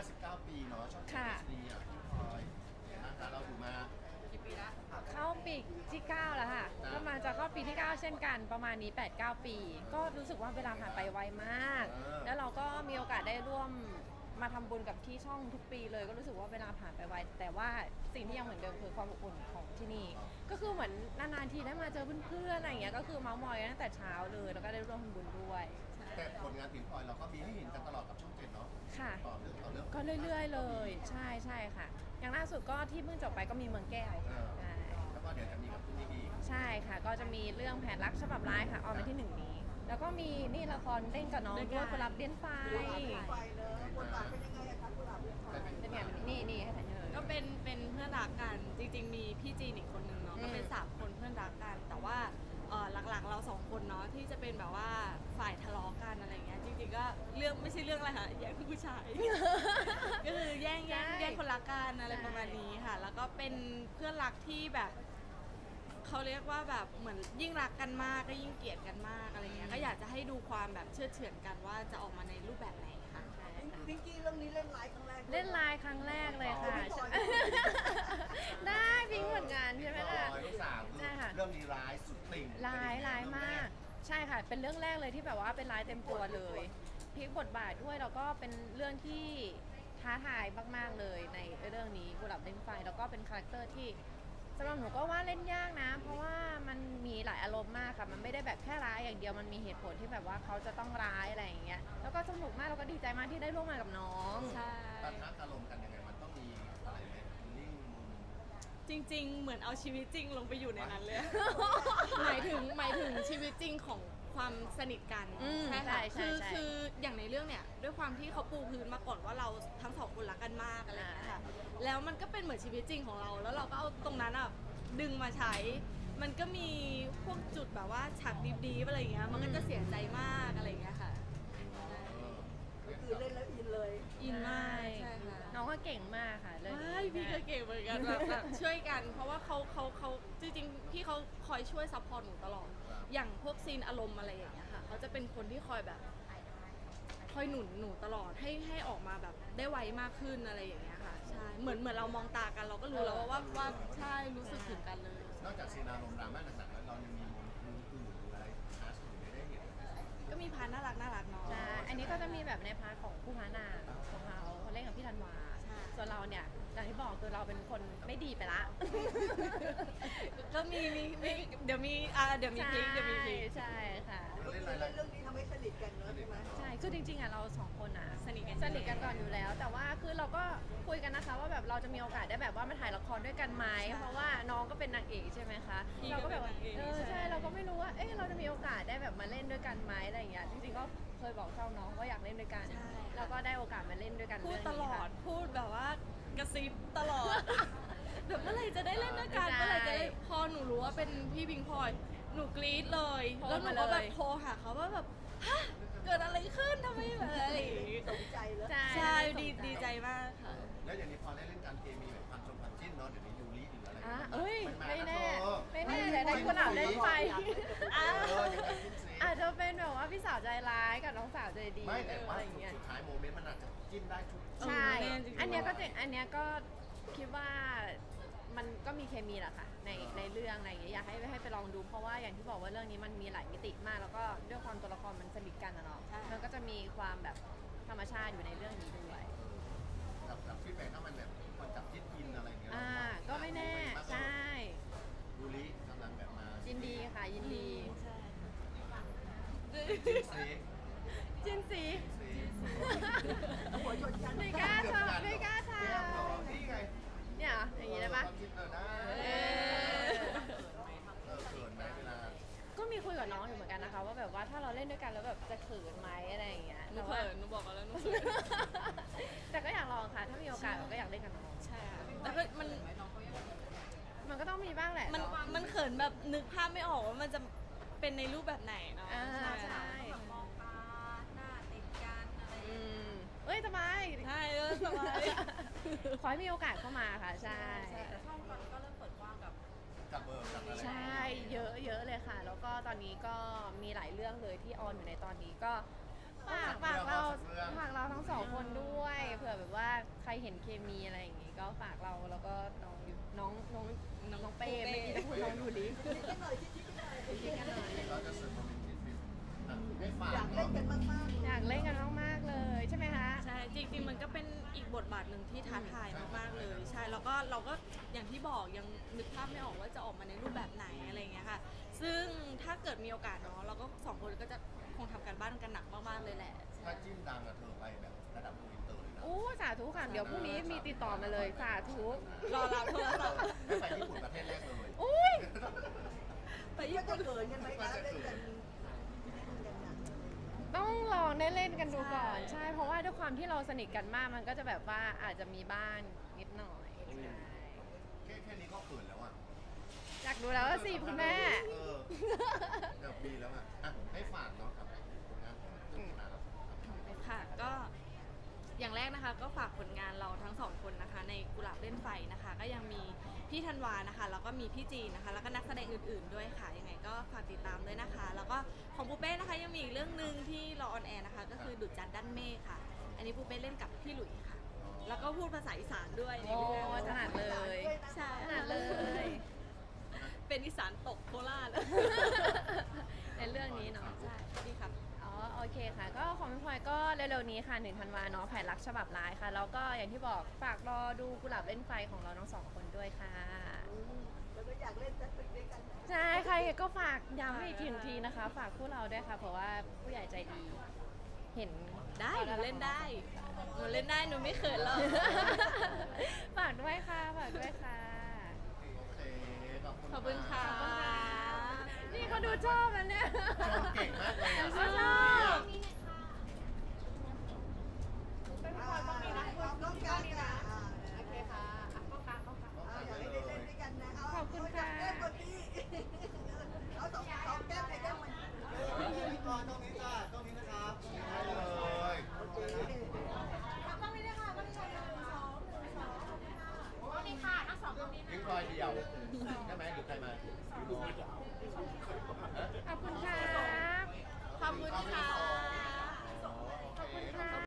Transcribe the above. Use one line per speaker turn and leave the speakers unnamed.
59 ปีเนาะช่อง
ค่ะ
ดีอ่ะพี่พลอยเนี่ยนะคะเราอยู่มากี่ปีละ
เข้าปีที่ 9 แล้วค่ะก็มาจะเข้าปีที่ 9 เช่นกันประมาณนี้ 8-9 ปี ก็รู้สึกว่าเวลาผ่านไปไวมาก แล้วเราก็มีโอกาสได้ร่วมมาทำบุญกับที่ช่องทุกปีเลยก็รู้สึกว่าเวลาผ่านไปไวแต่ว่าสิ่งที่ยังเหมือนเดิมคือความอบอุ่นของที่นี่ก็คือเหมือนนานๆทีได้มาเจอเพื่อนๆอะไรอย่างเงี้ยก็คือเมาส์มอยกันตั้งแต่เช้าเลยแล้วก็ได้ร่วมทำบุญด้วย
แต่ผลงานพิมพ์พลอยเราก็มีให้เห็นกันตลอดกับช่องเจ็ดเนาะ
ค่ะ
ต่อเรื่องต่อเรื่อง
ก็เรื่อยๆเลยใช่ใช่ค่ะ อย่างล่าสุดก็ที่เพิ่งจบไปก็มีเมืองแก้วใช่
แล้วก็เดี๋ยวจะมีกับที่นี่อีก
ใช่ค่ะก็จะมีเรื่องแผนรักฉบับร้ายค่ะออนวันที่ 1 นี้ แล้วก็มีนี่ละครเล่นกับน้องด้วยกุหลาบเลี้ยนไฟ
ไปเลยบทบาทเป็นยังไงอะคะกุหลาบเลือดไฟ
เป็นไงนี่ให้ถ่ายเลย
ก็เป็นเพื่อนรักกันจริงๆมีพี่จีนอีกคนนึงเนาะก็เป็น3 คนเพื่อนรักกัน แต่ว่าหลักๆเรา2 คนเนาะที่จะเป็นแบบว่าฝ่ายทะเลาะกันอะไรเงี้ยจริงๆก็เรื่องไม่ใช่เรื่องอะไรค่ะแย่งผู้ชาย ก็คือแย่งคนรักกันอะไรประมาณนี้ค่ะ แล้วก็เป็นเพื่อนรักที่แบบเขาเรียกว่าแบบเหมือนยิ่งรักกันมากก็ยิ่งเกลียดกันมากอะไรเงี้ยก็อยากจะให้ดูความแบบเชื่อเฉือนกันว่าจะออกมาในรูปแบบไหนค่ะ
พิงกี้เรื่องนี้เล่นไลฟ์ครั้งแรก
เล่นไลน์ครั้งแรกเลยค่ะได้พิงค์เหมือนกันใช่ไหมล่ะ
ลูกสาวคือ
ใช่ค่ะ
เรื่องนี้ร้ายสุดติ่ง
ร้ายมากใช่ค่ะเป็นเรื่องแรกเลยที่แบบว่าเป็นร้ายเต็มตัวเลยพลิกบทบาทด้วยแล้วก็เป็นเรื่องที่ท้าทายมากๆเลยในเรื่องนี้กุหลาบเล่นไฟแล้วก็เป็นคาแรคเตอร์ที่สำหรับหนูก็ว่าเล่นยากนะ เพราะว่ามันมีหลายอารมณ์มากค่ะมันไม่ได้แบบแค่ร้ายอย่างเดียวมันมีเหตุผลที่แบบว่าเขาจะต้องร้ายอะไรอย่างเงี้ยแล้วก็สนุกมากแล้วก็ดีใจมากที่ได้ร่วมงานกับน้อง
ใช่
ปะทะอารมณ์กันยังไงมันต้องมีอะไรไหมนิ่ง
จริงๆ เหมือนเอาชีวิตจริงลงไปอยู่ในนั้นเลย หมายถึงชีวิตจริงของความสนิทกันใช่ค่ะคืออย่างในเรื่องเนี่ยด้วยความที่เขาปูพื้นมาก่อนว่าเราทั้ง2 คนรักกันมากอะไรอย่างเงี้ยค่ะแล้วมันก็เป็นเหมือนชีวิตจริงของเรา แล้วเราก็เอาตรงนั้นอ่ะดึงมาใช้ มันก็มีพวกจุดแบบว่าฉากดีๆอะไรอย่างเงี้ยมันก็จะเสียใจมากอะไรอย่างเงี้ยค่ะ
คือเล่นแล้วอินเลย
อินมากใช่ค่ะ
น้องก็เก่งมากค่ะเรื่องนี้
ใช่พี่ก็เก่งเหมือนกันแบบช่วยกัน เพราะว่าเขาจริงๆพี่เขาคอยช่วยซัพพอร์ตหนูตลอด อย่างพวกซีนอารมณ์อะไรอย่างเงี้ยค่ะเขาจะเป็นคนที่คอยแบบคอยหนุนหนูตลอดให้ออกมาแบบได้ไวมากขึ้นอะไรอย่างเงี้ยค่ะใช่เหมือนเรามองตากันเราก็รู้แล้วว่าใช่รู้สึกถึงกันเลย
นอกจากซีนอารมณ์ดราม่าต่างๆแล้วเรายังมีมุมอื่นหรืออะไรคลาสอื่นได้เห็นไหม
ก็มีพาร์ทน่ารักเนาะ
ใช่ อันนี้ก็จะมีแบบในพาร์ทของผู้พานางของเขาเล่นกับพี่ธันวา
ใช่
ส่วนเราเนี่ยอย่างที่บอกคือเราเป็นคนไม่ดีไปละ
ก็มีเดี๋ยวมีพลิก
ใช่ค่ะ
เล่น
คือ
อะไร
เล่นเรื่องนี้ทำให้สนิทกันเนอะใช่ไหม
ใช่คือจริงๆอ่ะเราสองคนอ่ะ
สนิทกัน
สนิทกันก่อนอยู่แล้ว แต่ว่าคือเราก็คุยกันนะคะว่าแบบเราจะมีโอกาสได้แบบว่ามาถ่ายละครด้วยกันไหมเพราะว่าน้องก็เป็นนางเอกใช่ไหมคะเราก็แบบว่าใช่เราก็ไม่รู้ว่าเอ๊ะเราจะมีโอกาสได้แบบมาเล่นด้วยกันไหมอะไรอย่างเงี้ยจริงๆก็เคยบอกช่องน้องว่าอยากเล่นด้วยกันแล้วก็ได้โอกาสมาเล่นด้วยกัน
พูด
เรื่อง
ต
นี้
ลอ
ค่ะ
ดพูดแบบว่ากระซิบตลอด แบบเมื่อไหร่จะได้เล่นด้วยกัน
ใช่
เมื่อไหร่จะได้พอหนูรู้ว่าเป็นพี่พิงพลอยหนูกรี๊ดเลย
โทร
แล้วหนู
มา
ก็แบบ
เลย
โทรหาเขาว่าแบบฮะเกิดอะไรขึ้นทำไมแบบอะไรอย่างงี้
สนใจเลย
ใช่ดีใจมากค่ะ
แล้วอย่างนี้พอได้เล่นการเคมีแบบความจิ้นเนาะเดี๋ยวนี้ยูริหรืออะไร
อ่ะเอ้ย
นมา
ไม่
ล้ว
แน่
เธอ
ไม่แน่แต่ได้คนอ่านเล่นไฟ
อ้าว
ยังไงจิ้นซี
อาจจะเป็นแบบว่าพี่สาวใจร้ายกับน้องสาวใจดี
ไม่แต่ว่า
อะไรอย่างเงี้ย
สุดท้ายโมเมนต์มันอาจจะจิ้นได้ทุก
ใช่
แน่จริงๆ
อันเนี้ยก็จริงอันเนี้ยก็คิดว่ามันก็มีเคมีแหละค่ะในเรื่องอะไรอย่างเงี้ยอยากให้ไปลองดูเพราะว่าอย่างที่บอกว่าเรื่องนี้มันมีหลายมิติมาก แล้วก็ด้วยความตัวละครมันสนิทกันนะเนาะมันก็จะมีความแบบธรรมชาติอยู่ในเรื่องนี้ด้วย
กับฟีดแบ็กถ้ามันแบบคนจับจิ้นอินอะไรเงี้ย
ก็ไม่แน่ใช่
ยูริกำลังแบบมา
ยินดีค่ะยินดี
ใช่
จิ้นซี
จินสี
ซี
หัวชนกัน
ไม่กล้าทำไม่กล้าท
แก้มเหรอนี่ไง
ำเนี่ยเหรออย่างงี้ได้ปะ
ความคิดได้
เออ
เขินไหมเวลา
ก็มีคุยกับน้องอยู่เหมือนกันนะคะว่าแบบว่าถ้าเราเล่นด้วยกันแล้วแบบจะเขินไหมอะไรอย่างเงี้ย
หนูเขินหนูบอกกันแล้วหนูเขิน
แต่ก็อยากลองค่ะ ถ้ามีโอกาสก็อยากเล่นกับน้อง
ใช่ค่ะแต่ก็มัน
มันก็ต้องมีบ้างแหละ
มัน
เนาะ
มันเขินแบบนึกภาพไม่ออกว่ามันจะเป็นในรูปแบบไหนเนาะ
อ่า
ค่ะ
ใช่
มองตาหน้าติดกันอะไรอย่าง
อื
เงี้ย
มเอ้ยทำไม
ใช่สบาย
ขอให้มีโอกาสเข้ามาค่ะ ใช่
แต่ช่องตอนนี้ก็เริ่มเปิดกว้างกับ
กับเบอร์กับอะไร
ใช่เยอะเลยค่ะ แล้วก็ตอนนี้ก็มีหลายเรื่องเลยที่ออนอยู่ในตอนนี้ก็ฝากเราทั้งสองคนด้วยเผื่อแบบว่าใครเห็นเคมีอะไรอย่างงี้ก็ฝากเราแล้วก็น้องเป้ไม่มีจะพูดน้องดูลิ
คิดกันหน่อยคิดกันหน่อย
คิดกันหน่อย
เราจะสื่อโมเมนต์ฟิตให้ฝาก
อยากเล่นกันมากๆ
อยากเล่นกันมากๆเลยใช่ไหมคะ
ใช่จริงๆมันก็เป็นอีกบทบาทหนึ่งที่ท้าทายมากๆเลยใช่แล้วก็เราก็อย่างที่บอกยังนึกภาพไม่ออกว่าจะออกมาในรูปแบบไหนอะไรอย่างเงี้ยค่ะซึ่งถ้าเกิดมีโอกาสเนาะเราก็สองคนก็จะคงทำการบ้านกันหนักมากๆเลยแหละ
ถ้าจิ้มดังอะเธอไปแบบระดับอินเตอร์เลยนะ
อู้สาธุค่ะเดี๋ยวพรุ่งนี้มีติดต่อมาเลยสาธุ
รอรับโทรศัพท์
ให้ไปญี่ปุ่นประเทศแรกเลย
อุ้ย
ไป
ก็
ญี่
จะ
ปุ่น
เขินกันไหมคะเล่นกันนะ
ต้องลองได้เล่นกันดูก่อนใช่เพราะว่าด้วยความที่เราสนิทกันมากมันก็จะแบบว่าอาจจะมีบ้านนิดหน่อยใช่
แค่นี้ก็เขินแล้วอ่ะ
อยากดูแล้วว่าสิคุณแม่
เกือบปีแล้วอ่ะให้ฝากเนาะกับผลงานของเรื่องนะครับ
ค่ะก็อย่างแรกนะคะก็ฝากผลงานเราทั้งสองคนนะคะ ในกุหลาบเล่นไฟนะคะ ก็ยังมีพี่ธันวานะคะแล้วก็มีพี่จีนนะคะ แล้วก็นักแสดงอื่นๆด้วยค่ะยังไงก็ฝากติดตามด้วยนะคะ แล้วก็ของปูเป้นะคะยังมีอีกเรื่องหนึ่งที่รอออนแอร์นะคะ ก็คือดุจจันทร์ด้านเมฆค่ะ อันนี้ปูเป้เล่นกับพี่หลุยส์ค่ะ แล้วก็พูดภาษาอีสานด้วยใน
โอ้
เรื่อง
ถนัดเลย
ใช่
ถนัดเลย
เป็นอีสานตกโคราช
ในเรื่องนี้เนาะ
ใช่ดีครับ
อ๋อโอเคค่ะ ก็ของพี่พลอยก็เร็วๆนี้ค่ะ1 ธันวาเนาะแผนรักฉบับร้ายค่ะ แล้วก็อย่างที่บอกฝากรอดูกุหลาบเล่นไฟของเราทั้งสองคนด้วยค่ะ
แล้วก็อยากเล่นจัดตึกด้วยกัน
ใช่ใครก็ฝากย้ำอีกทีนะคะ ฝากคู่เราด้วยค่ะ เพราะว่าผู้ใหญ่ใจดี เห็น
ได้หนูเล่นได้หนูเล่นได้หนูไม่เขินหรอก
ฝากด้วยค่ะฝากด้วยค่ะ
โอเคขอบคุณ
ขอบคุณค่ะ
นี่เขาดูชอบนะเนี่ย
ชอบเก่งมากเลยอ่ะ
เขาชอบ
ต้องการนะโอเคค่ะอยากให้เล่นด้วยกันนะเอาจับแก้มคนที่เอาสองแก้มในแก้มมัน
ก่อนตรงนี้จ้าตรงนี้นะครับได้เลย
โอเค
ทิ้งรอยเดียวใช่ไหมหรือใครมา
ขอบคุณค่ะ
ขอบคุณค่ะ